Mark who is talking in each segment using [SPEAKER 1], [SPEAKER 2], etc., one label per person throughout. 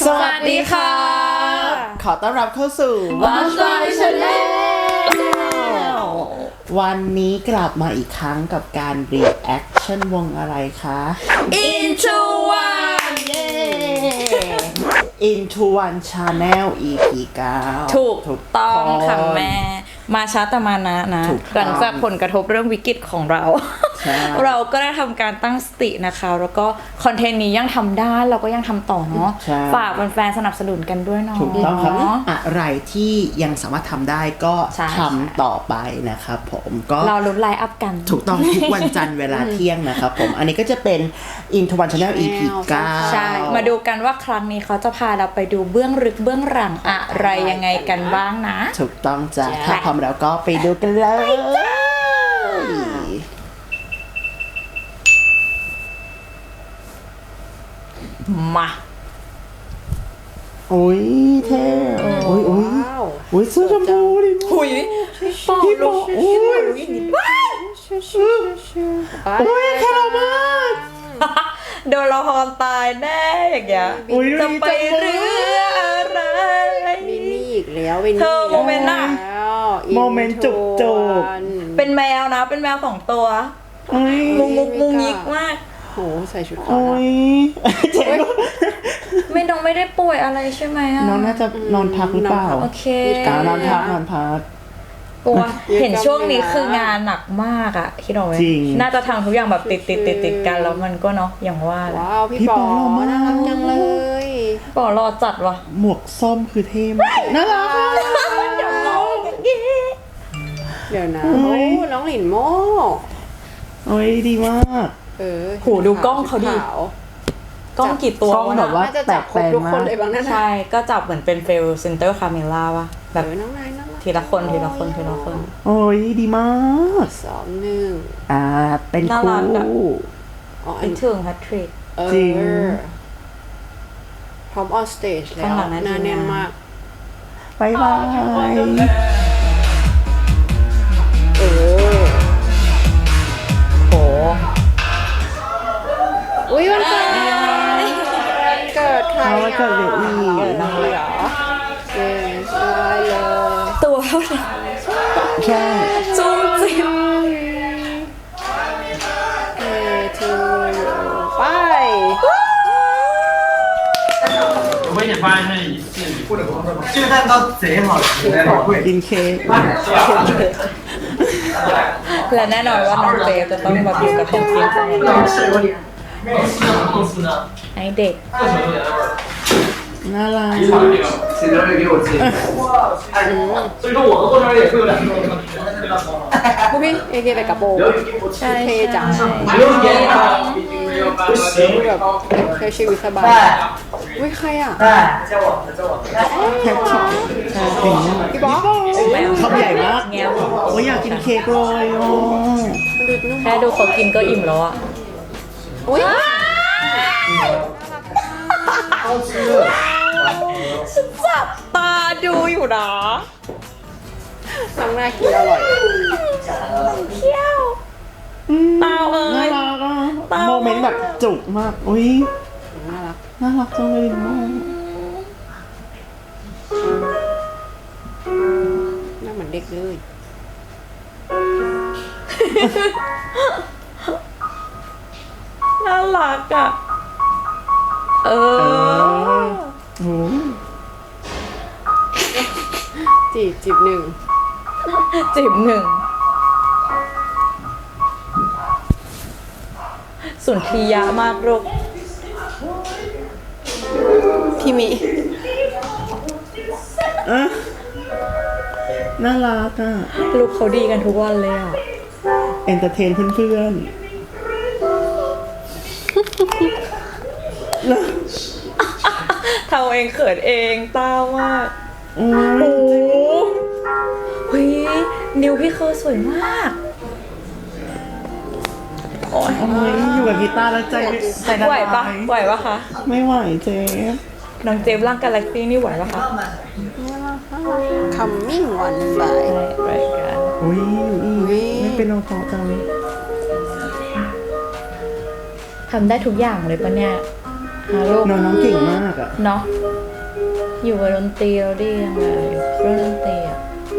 [SPEAKER 1] สวัสดีค่ะ ขอต้อนรับเข้าสู่
[SPEAKER 2] Watch My Channel
[SPEAKER 1] วันนี้กลับมาอีกครั้งกับการ reaction วงอะไรคะ
[SPEAKER 2] Into One
[SPEAKER 1] เย้ Into One Channel EP 9
[SPEAKER 2] ถูกต้องค่ะแม่ มาช้าแต่มานะ
[SPEAKER 1] ถูกต้อง
[SPEAKER 2] หลังจากผลกระทบเรื่องวิกฤตของเรา
[SPEAKER 1] ใช่
[SPEAKER 2] เราก็ได้ทำการตั้งสตินะคะ แล้วก็คอนเทนต์นี้ยังทำได้เราก็ยังทำต่อเนาะ
[SPEAKER 1] ใช่
[SPEAKER 2] ฝากแฟนๆสนับสนุนกันด้วยเนาะ
[SPEAKER 1] ถูกต้องครับ อะไรที่ยังสามารถทำได้ก็
[SPEAKER 2] ใช่
[SPEAKER 1] ทำต่อไปนะครับผมก็
[SPEAKER 2] เราลุ้นไลน์อัพกัน
[SPEAKER 1] ถูกต้องทุกวันจันทร์เวลาเที่ยงนะครับผม อันนี้ก็จะเป็น Into One Channel EP 9
[SPEAKER 2] ใช่ มาดูกันว่าครั้งนี้เขาจะพาเราไปดูเบื้องลึกเบื้องหลังอะไรยังไงกันบ้างนะ
[SPEAKER 1] ถูกต้องจ้ะ
[SPEAKER 2] ใช่
[SPEAKER 1] ถ้าพร้อมแล้วก็ไปดูกันเลย
[SPEAKER 2] มา
[SPEAKER 1] โอ้ยเท่โอ้ยโอ้ยโอ้ยเสื้อชมพูดิ
[SPEAKER 2] หุยปอ
[SPEAKER 1] พี่
[SPEAKER 2] ลู
[SPEAKER 1] บอกโอ้ยโอ้ยแค่เรามาก
[SPEAKER 2] โดนละครตายแน่อย่างเงี้ย
[SPEAKER 1] โอ้ย
[SPEAKER 2] จะไป
[SPEAKER 1] ดีจังเลย
[SPEAKER 2] เรืออะไร
[SPEAKER 3] วินนี่อีกแล้ววินนี่
[SPEAKER 2] เธอโมเมนต์น่ะ
[SPEAKER 3] แล้ว
[SPEAKER 1] โมเมนต์จุกจุก
[SPEAKER 2] เป็นแมวนะ เป็นแมว2 ตัว
[SPEAKER 1] โอ้ย
[SPEAKER 2] มุงมุกมุงยิกมาก
[SPEAKER 3] โหใส่ชุดขาว
[SPEAKER 1] โอ้ยเจ๋ง
[SPEAKER 2] ไม่ได้ป่วยอะไรใช่ไหมอะ
[SPEAKER 1] น้องน่าจะนอนพักหรือเปล่า
[SPEAKER 2] โอเค
[SPEAKER 1] นอนพักนอนพัก
[SPEAKER 2] กลัวเห็นช่วงนี้คืองานหนักมากอะคิดเอาไว้
[SPEAKER 1] จริง
[SPEAKER 2] น่าจะทำทุกอย่างแบบติดกันแล้วมันก็เนาะอย่างว่าแหละ
[SPEAKER 3] ว้าวพี่
[SPEAKER 1] พี่
[SPEAKER 3] ป
[SPEAKER 1] ป
[SPEAKER 3] อ
[SPEAKER 1] อหล่อมาก
[SPEAKER 3] น่ารักจังเลย
[SPEAKER 2] ปอรอจัดว่ะ
[SPEAKER 1] หมวกส้มคือเท่มากน่ารักอะ
[SPEAKER 2] อย่ามองอย่างงี้
[SPEAKER 3] เดี๋ยวนะ
[SPEAKER 1] โอ้
[SPEAKER 3] โอ้
[SPEAKER 1] ย
[SPEAKER 3] น้องหลินโม
[SPEAKER 1] โอ้ยดีมาก
[SPEAKER 2] โหดูกล้องเขาดิ
[SPEAKER 3] ขว
[SPEAKER 2] กล้องกี่ตัว
[SPEAKER 1] กล้อง
[SPEAKER 2] วะ
[SPEAKER 1] แบ
[SPEAKER 2] น่ะ
[SPEAKER 1] บว่า
[SPEAKER 3] น่าจะจับครบทุกคนเลยบางนั่นน่ะ
[SPEAKER 2] ใช่ ก็จับเหมือนเป็นเฟลเซนเตอร์คาเมล่าวะแบบ
[SPEAKER 3] น้องนายน่ารัก
[SPEAKER 2] ทีละคนทีละคนทีละคน
[SPEAKER 1] โอ้ยดีมาก
[SPEAKER 3] 2 1
[SPEAKER 1] เป็น
[SPEAKER 2] น่า
[SPEAKER 1] ค
[SPEAKER 2] รักอะ
[SPEAKER 1] รู
[SPEAKER 3] อ๋ออั
[SPEAKER 2] ไป
[SPEAKER 3] น
[SPEAKER 2] ถึงแฮตทริก
[SPEAKER 1] จริง
[SPEAKER 3] พร้อมออนสเตจแล้
[SPEAKER 2] ข้าง
[SPEAKER 3] ว
[SPEAKER 2] หลังนั้น
[SPEAKER 3] หน้าแน่นมาก
[SPEAKER 1] บายบาย
[SPEAKER 3] เออ
[SPEAKER 2] โห
[SPEAKER 3] อุ้ยวันเกิดเกิดใคร
[SPEAKER 1] เอาไว้เกิดเดี๋ยวอีก
[SPEAKER 3] เกิดน้องเลยเหรอเกิดได้เลย
[SPEAKER 2] ตัวเท่าไหร่
[SPEAKER 1] ใช่
[SPEAKER 2] จุ้มจิ้ม
[SPEAKER 3] ทูไป
[SPEAKER 4] 我给你发一下你信，这个蛋糕贼好吃，会
[SPEAKER 1] กินเค้ก
[SPEAKER 2] และแน่นอนว่าน้องเจฟจะต้องมาอยู่กับของกิน
[SPEAKER 4] 公司呢？
[SPEAKER 2] ให้เด็ก
[SPEAKER 1] น่ารัก
[SPEAKER 4] 谁留着给我寄？所以说我的过生日也会有2个。
[SPEAKER 3] พวกพี่เอเคไปกับโบ
[SPEAKER 2] ใช่
[SPEAKER 3] เท่จัง
[SPEAKER 4] 没有给他，不行。
[SPEAKER 3] แบบใช้ชีวิตสบายอุ้ยใครอ่ะ
[SPEAKER 4] 哎，叫我，叫我。
[SPEAKER 1] แท็กซี่ใช่ถึง
[SPEAKER 3] พี่บ๊อบ
[SPEAKER 1] คำใหญ่มาก
[SPEAKER 2] แง้ว
[SPEAKER 1] โอ้ยอยากกินเค้กเลยโอ้
[SPEAKER 3] ดูนุ่ม
[SPEAKER 2] แค่ดูเขากินก็อิ่มแล้วอะ
[SPEAKER 3] อุ้ย
[SPEAKER 2] จับตาดูอยู่นะ
[SPEAKER 3] น้องน่ากินอร่อย
[SPEAKER 2] เขี้ยวเตาเอ้
[SPEAKER 1] น่าย รักอ่ะ
[SPEAKER 2] เต้า
[SPEAKER 1] โมเมนต์แบบจุกมาก อุ้ย
[SPEAKER 3] น่ารัก
[SPEAKER 1] น่ารักจังเลยมาก
[SPEAKER 3] น่าเหมือนเด็กเลย
[SPEAKER 2] น่ารักอ่ะ เออ
[SPEAKER 1] โอ้
[SPEAKER 3] จีบหนึ่ง
[SPEAKER 2] จิบหนึ่งสุนทรียะมากลูก
[SPEAKER 3] พี่มิ
[SPEAKER 1] อะน่ารักอ่ะ
[SPEAKER 2] ลูกเขาดีกันทุกวันเลยอ่ะ
[SPEAKER 1] เอนเตอร์เทนเพื่อนๆแล้ว
[SPEAKER 2] เทาเองเขินเองตามาก
[SPEAKER 1] โอ้
[SPEAKER 2] โอ้
[SPEAKER 1] ย
[SPEAKER 2] โหเฮ้ยนิวพี่เคอร์สวยมาก โอ้ย
[SPEAKER 1] โอ้ยอยู่กับกีตาร์แล้วใจละ
[SPEAKER 2] ไหวปะ
[SPEAKER 1] ลาย
[SPEAKER 2] ไหวปะคะ
[SPEAKER 1] ไม่ไหวเจ๊
[SPEAKER 2] น้องเจมส์ร่างกาแล็กซี่นี่ไหวปะคะ
[SPEAKER 3] คัมมิ่งวันไป
[SPEAKER 2] รายการ
[SPEAKER 1] อุ้ยไม่เป็นน้องพอจัง
[SPEAKER 2] ทำได้ทุกอย่างเลยปะเนี่ยลูก
[SPEAKER 1] น้องเก่งมากอ่ะ
[SPEAKER 2] เนาะอยู่กับดนตรีเราดียังไงอยู่เครื่องดนตรีอ่ะ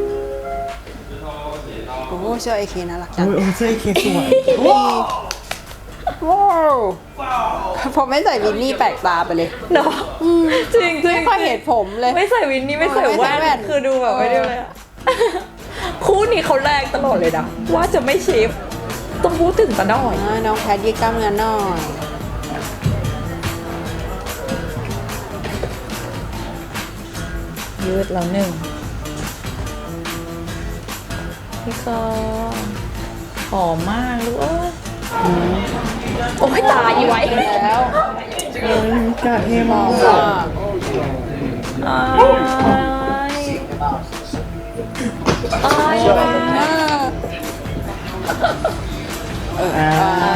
[SPEAKER 3] โอ้เสื้อ AK น่ารักจั
[SPEAKER 1] โอ้
[SPEAKER 3] ง
[SPEAKER 1] ยโอ้ยเสื้อเคสวย
[SPEAKER 3] ว้าวพอไม่ใส่วินนี่แปลกตาไปเลย
[SPEAKER 2] เนาะจริงจริง
[SPEAKER 3] ไม่ค่อยเห็นผมเลย
[SPEAKER 2] ไม่ใส่วินนี่ไม่ใส่
[SPEAKER 3] ไม่ใส่แว่
[SPEAKER 2] แว่
[SPEAKER 3] น
[SPEAKER 2] นคือดูแบบไม่ได้เลยอะคู่นี้เขาแรงตลอดเลยนะว่าจะไม่ชิฟต้องพูดถึงตะน้อย
[SPEAKER 3] น้องแพทยืดกล้ามเนื้อหน่อย
[SPEAKER 2] ยืดแล้วหนึ่งพี่กอหอมมากลูกเอ้ยโอ้ยตายไว้
[SPEAKER 3] แล้ว
[SPEAKER 1] โอ้ยกาเท่มาก
[SPEAKER 2] อายอาย
[SPEAKER 1] อ่า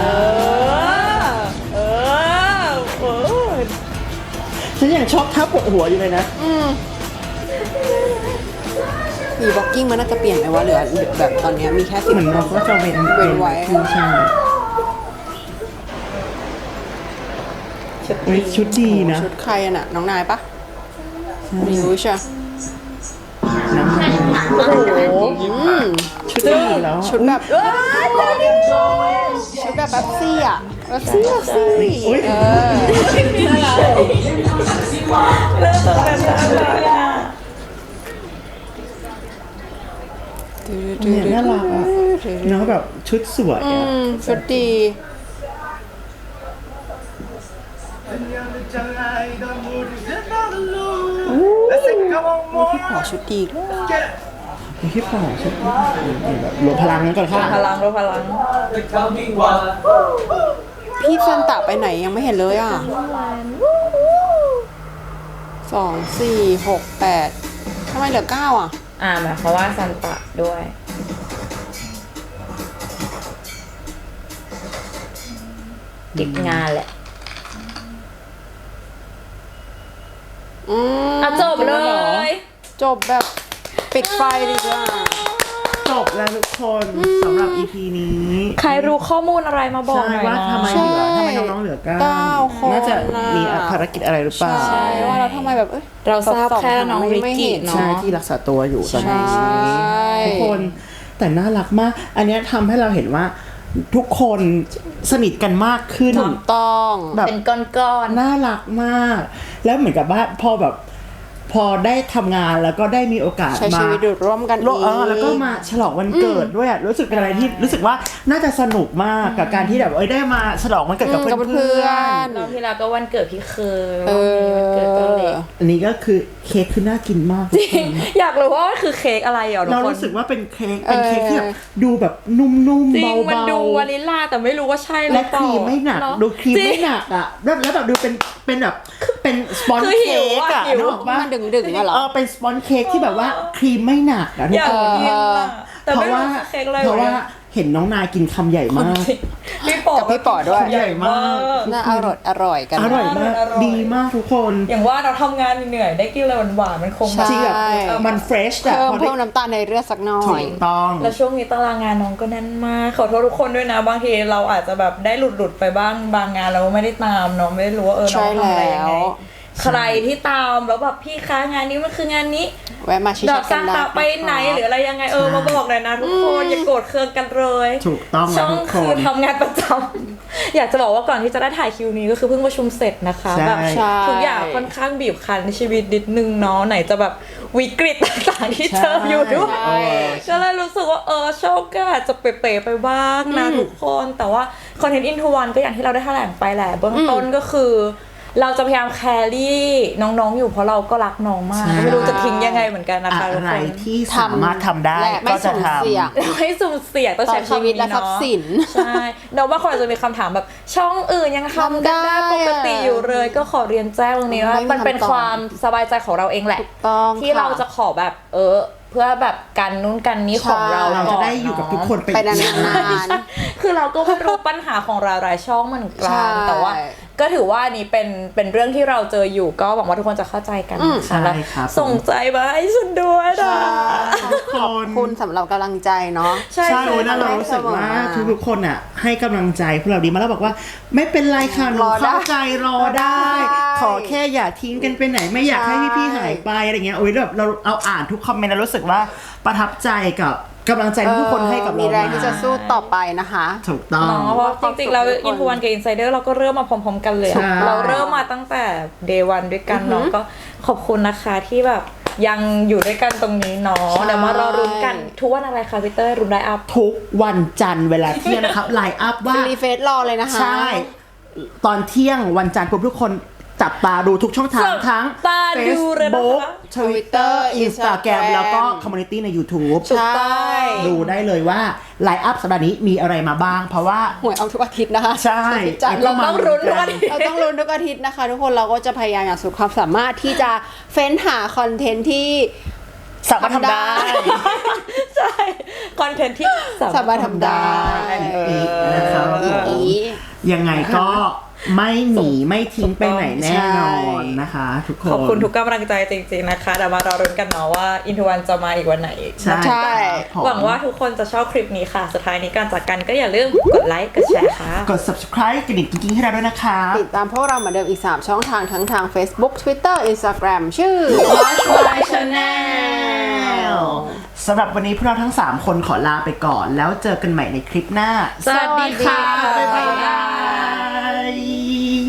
[SPEAKER 2] เออ
[SPEAKER 1] ฉันยังชอบท่าปกหัวอยู่เลยนะ
[SPEAKER 3] มีบ็อกกิ้งมันน่าจะเปลี่ยนไหมวะเหลือแบบตอนเนี้ยมีแค่สิบ
[SPEAKER 1] เหมือนเราก็จะเว้น
[SPEAKER 3] เว้นไว้
[SPEAKER 1] ใช่เฮ้ยชุดดีนะ
[SPEAKER 3] ชุดใครอะน่ะน้องนายปะไม่รู้ใช่
[SPEAKER 1] น้ำมัน
[SPEAKER 2] โอ้โห
[SPEAKER 1] ชุดดีแล้ว
[SPEAKER 3] ชุดแบบชุดแบบแป๊บซี่อะแป๊บซี่อะซี่
[SPEAKER 1] อุ๊ย
[SPEAKER 3] เออ
[SPEAKER 2] เริ่มต้นกันน่ารักอ่ะ
[SPEAKER 1] เนี่ยน่ารักอ่ะเนาะแบบชุดสวยอ่ะ
[SPEAKER 3] ชุดดี ขอชุดดี
[SPEAKER 1] มีที่ปอกชุดแบบรวมพลังกันก่อนค่ะ
[SPEAKER 2] พลังรู้พลัง
[SPEAKER 3] พี่ซันตะไปไหนยังไม่เห็นเลยอ่ะ2 4 6 8ทำไมเหลือ9อ่ะ
[SPEAKER 2] หมายความว่าซันตะด้วยติดงานแหละจบเลย
[SPEAKER 3] จบแบบปิดไฟดีกว่า
[SPEAKER 1] จบแล้วทุกคนสำหรับ EP นี้
[SPEAKER 2] ใครรู้ข้อมูลอะไรมาบอก
[SPEAKER 1] ใช่
[SPEAKER 2] หน่อย
[SPEAKER 1] ว่า
[SPEAKER 2] นะ
[SPEAKER 1] ทำไมน้องๆเหลือเก้า
[SPEAKER 3] 9 คน
[SPEAKER 1] น่าจะมีภารกิจอะไรหรือเปล่า
[SPEAKER 3] ใช่ว่าเราทำไมแบบอ้ย
[SPEAKER 2] เราทราบแค่น้องริกกี้
[SPEAKER 1] ใช่
[SPEAKER 2] เนาะ
[SPEAKER 1] ที่รักษาตัวอยู่ตอนนี้
[SPEAKER 3] ใช่
[SPEAKER 1] ทุกคนแต่น่ารักมาก อันเนี้ยทำให้เราเห็นว่าทุกคนสนิทกันมากขึ้น
[SPEAKER 3] ถูกต้อง
[SPEAKER 1] แบบ
[SPEAKER 2] เป็นก้อน
[SPEAKER 1] น่ารักมาก แล้วเหมือนกับว่าพอได้ทำงานแล้วก็ได้มีโอกาส
[SPEAKER 3] ใช้
[SPEAKER 1] มา
[SPEAKER 3] ชีวิตอยู่ร่วมกันอีก
[SPEAKER 1] แล้วก็มาฉลองวันเกิดด้วยอะรู้สึกเป็นอะไรที่รู้สึกว่าน่าจะสนุกมากกับการที่แบบได้มาฉลองวันเกิดกับ
[SPEAKER 3] กับ
[SPEAKER 1] เพื่
[SPEAKER 3] เพื่
[SPEAKER 1] อ
[SPEAKER 3] อน น
[SPEAKER 2] ๆน้องที่แล้วก็วันเกิดพี่เคย
[SPEAKER 3] เอ
[SPEAKER 2] วันนี้วันเกิดตัวเล็ก
[SPEAKER 1] อันนี้ก็คือเค้กคือน่ากินมาก
[SPEAKER 2] อยากรู้ว่ามันคือเค้กอะไรเหรอทุก
[SPEAKER 1] เรา
[SPEAKER 2] คน
[SPEAKER 1] รู้สึกว่าเป็นเค้กที่แบบดูแบบนุ่มๆ
[SPEAKER 2] จริง
[SPEAKER 1] เบาๆ
[SPEAKER 2] มันดูวานิลลาแต่ไม่รู้ว่าใช่หรื
[SPEAKER 1] และ
[SPEAKER 2] อ
[SPEAKER 1] ค
[SPEAKER 2] เปล่า
[SPEAKER 1] รีมไม่หนัก
[SPEAKER 2] เอะ
[SPEAKER 1] ดูครีม
[SPEAKER 2] จริ
[SPEAKER 1] ไม่
[SPEAKER 2] ง
[SPEAKER 1] หนักอ่ะแล้วแบบดูเป็นแบบเป็นสปอน
[SPEAKER 2] คือหิ
[SPEAKER 1] เค้
[SPEAKER 2] ว
[SPEAKER 1] ก
[SPEAKER 2] อะ
[SPEAKER 1] อ่ะ
[SPEAKER 2] หิว
[SPEAKER 1] นึกออกปะ
[SPEAKER 3] มันดึงๆอะเหรอ
[SPEAKER 1] เป็นสปอนเค้กที่แบบว่าครีมไม่หนักอ่ะทุ
[SPEAKER 2] อก ยาก
[SPEAKER 1] คน
[SPEAKER 2] กินอะแต่
[SPEAKER 1] เพ
[SPEAKER 2] ไม่
[SPEAKER 1] ราะ
[SPEAKER 2] รู้
[SPEAKER 1] ว่า
[SPEAKER 2] คือเค้กอะไร
[SPEAKER 1] เพราะว่าเห็นน้องนายกินคำใหญ่มาก
[SPEAKER 2] พี่ปอ
[SPEAKER 3] กับพี่ป๋อด้วย
[SPEAKER 2] ใหญ่มาก
[SPEAKER 3] น่าอร่อยกัน
[SPEAKER 1] อร่อยมาก
[SPEAKER 2] อร่อย
[SPEAKER 1] ดีมากทุกคน
[SPEAKER 2] อย่างว่าเราทำงานเหนื่อยได้กินอะไรหวานๆมันคง
[SPEAKER 3] ใช่
[SPEAKER 1] จริงแบบมันเฟรชอะ
[SPEAKER 3] เพิ่ม
[SPEAKER 1] พอได้
[SPEAKER 3] เพิ่มน้ำตาลในเลือดสักหน่อ
[SPEAKER 1] ถู
[SPEAKER 3] ย
[SPEAKER 1] กต้อง
[SPEAKER 2] แล้วช่วงนี้ตารางงานน้องก็แน่นมากขอโทษทุกคนด้วยนะบางทีเราอาจจะแบบได้หลุดไปบ้างบางงานเราไม่ได้ตามเนาะไม่ได้รู้ว่าน้
[SPEAKER 3] ใช่
[SPEAKER 2] องทำอะไรยังไง
[SPEAKER 3] แล้ว
[SPEAKER 2] ใครที่ตามแล้วแบบพี่คะงานนี้มันคืองานนี้
[SPEAKER 3] แวะมาชิ
[SPEAKER 2] ด
[SPEAKER 3] ช
[SPEAKER 2] อก
[SPEAKER 3] กั
[SPEAKER 2] ซาน น
[SPEAKER 3] ได้
[SPEAKER 2] ตาไปไหนหรืออะไรยังไงมาบอกหน่อยนะทุกคนอย่าโกรธเคืองกันเลย
[SPEAKER 1] ถูกต้อง
[SPEAKER 2] ช่
[SPEAKER 1] แล้ว
[SPEAKER 2] อง
[SPEAKER 1] ทุกค
[SPEAKER 2] คือน ทำงานประจำ อยากจะบอกว่าก่อนที่จะได้ถ่ายคิวนี้ก็คือเพิ่งประชุมเสร็จนะคะ
[SPEAKER 1] ใช่
[SPEAKER 2] แบบ
[SPEAKER 3] ใช่
[SPEAKER 2] ทุกอย่างค่อนข้างบีบคั้นในชีวิตนิดนึงเนาะไหนจะแบบวิกฤตต่างๆที่เจออยู่ด้วย
[SPEAKER 3] ใช่
[SPEAKER 2] ก็เลยรู้สึกว่าช่องก็อาจจะเป๋ๆไปบ้างนะทุกคนแต่ว่าคอนเทนต์อินทวันก็อย่างที่เราได้แถลงไปแหละเบื้องต้นก็คือ เราจะพยายามแครี่น้องๆอยู่เพราะเราก็รักน้องมาก
[SPEAKER 1] ใช่
[SPEAKER 2] ก็ไม่รู้จะทิ้งยังไงเหมือนกันนะคะทุก
[SPEAKER 1] อะไร
[SPEAKER 2] คน
[SPEAKER 1] ที่สามารถทำได้
[SPEAKER 3] และไม่
[SPEAKER 1] ก็จะ
[SPEAKER 3] สูญ
[SPEAKER 1] ทำ
[SPEAKER 3] เสี่ยง
[SPEAKER 2] ให้สุ่มเสี่ยงต้องใช้
[SPEAKER 3] ต่อชีวิตและทรัพย์สิน
[SPEAKER 2] ใช่เนาะว่าคนอาจจะมีคำถามแบบช่องอื่นยังทำกันได้ปกติอยู่เลย ก็ขอเรียนแจ้งตรงนี้ว่า
[SPEAKER 3] ไม่มี
[SPEAKER 2] มันเป็น
[SPEAKER 3] คำตอบ
[SPEAKER 2] ความสบายใจของเราเองแหละ
[SPEAKER 3] ถูกต้อง
[SPEAKER 2] ที่
[SPEAKER 3] ค่ะ
[SPEAKER 2] เราจะขอแบบเพื่อแบบกันนู้นกันนี้ของเรา
[SPEAKER 1] เราจะได้อยู่กับทุกคน
[SPEAKER 3] ไปนานๆ
[SPEAKER 2] คือเราก็ไม่รู้ปัญหาของหลายๆช่องเหมือน
[SPEAKER 3] ใช่
[SPEAKER 2] กันแต่ว่าก็ถือว่านี่เป็นเรื่องที่เราเจออยู่ก็หวังว่าทุกคนจะเข้าใจกันนะคะแล้ว
[SPEAKER 1] ใช่ครับ
[SPEAKER 2] ส่งใจมาให้ฉันด้วยนะ
[SPEAKER 3] ขอบคุณสำหรับกำลังใจเนาะ
[SPEAKER 2] ใช่
[SPEAKER 1] ใช่โอ้ยน่าเรารู้สึกว่าทุกๆคนอ่ะให้กำลังใจพวกเราดีมากแล้วบอกว่าไม่เป็นไรค่ะหนู
[SPEAKER 3] รอได้
[SPEAKER 1] เข้าใจรอได้
[SPEAKER 3] ได้
[SPEAKER 1] ขอแค่อย่าทิ้งกันไปไหนไม่อยากให้พี่ๆหายไปอะไรเงี้ยโอ้ยแบบเราอ่านทุกคอมเมนต์แล้วรู้สึกว่าประทับใจกับกำลังใจที่ทุกคนให้กับเรา
[SPEAKER 3] มีแรงที่จะสู้ต่อไปนะคะ
[SPEAKER 1] ถูกต้อง
[SPEAKER 2] เนาะเพราะจริงๆเราอินทวันกับอินไซเดอร์เราก็เริ่มมาพร้อมๆกันเลยอะ
[SPEAKER 1] ใช่
[SPEAKER 2] เราเริ่มมาตั้งแต่เดย์วันด้วยกันเนาะก็ขอบคุณนะคะที่แบบยังอยู่ด้วยกันตรงนี้เนาะ
[SPEAKER 3] ใช่
[SPEAKER 2] เดี๋ยวมารอรุ้นกันทุกวันอะไรคะพี่เต้ยรุ้นได้อัพ
[SPEAKER 1] ทุกวันจันทร์เวลาเที่ยงนะครับไลน์อัพว่า
[SPEAKER 3] รีเฟซรอเลยนะคะ
[SPEAKER 1] ใช่ ตอนเที่ยงวันจันทร์ปุ๊บทุกคนจับตาดูทุกช่องทาง
[SPEAKER 2] จับ
[SPEAKER 1] ทั้ง
[SPEAKER 2] ตาดูเลยนะคะ
[SPEAKER 1] Facebook Twitter Instagram แล้วก็ Community ใน YouTube
[SPEAKER 2] ถูกต้อง
[SPEAKER 1] ดูได้เลยว่าไลน์อัพสัปดาห์นี้มีอะไรมาบ้าง เพราะว่า
[SPEAKER 3] หวยเอาทุกอาทิตย์นะคะ
[SPEAKER 1] ใช่
[SPEAKER 3] จัด
[SPEAKER 2] เราต้องรุ้นทุกวัน
[SPEAKER 3] เราต้องลุ้นทุกอาทิตย์นะคะ ทุกคนเราก็จะพยายามอย่างสุดความสามารถที่จะเฟ้นหาคอนเทนต์ที่
[SPEAKER 1] สามารถทำได้
[SPEAKER 2] ใช่คอนเทนต์ที่
[SPEAKER 3] สามารถทำได้
[SPEAKER 1] นะครับ ยังไงก็ไม่หนีไม่ทิ้งไปไหนแน่นอนนะคะ ทุกคน
[SPEAKER 2] ขอบคุณทุกกำลังใจจริงๆนะคะเดี๋ยวมารอรุ้นกันเนาะว่าอินทวันจะมาอีกวันไหน
[SPEAKER 1] ใช่
[SPEAKER 3] ใช่
[SPEAKER 1] ครับผม
[SPEAKER 2] หวังว่าทุกคนจะชอบคลิปนี้ค่ะ สุดท้ายนี้การจากกันก็อย่าลืมกดไลค์ กดแชร์ค่ะ
[SPEAKER 1] กด subscribe กระดิ่งกิ๊งๆให้เราด้วยนะครับ
[SPEAKER 3] ติดตามพวกเราเหมือนเดิมอีก 3 ช่องทางทั้งทาง Facebook Twitter Instagram ชื่อ
[SPEAKER 1] Watch My Channel สำหรับวันนี้พวกเราทั้ง 3 คนขอลาไปก่อน แล้วเจอกันใหม่ในคลิปหน้า
[SPEAKER 2] สวัสดีค่ะ
[SPEAKER 1] บ๊ายบาย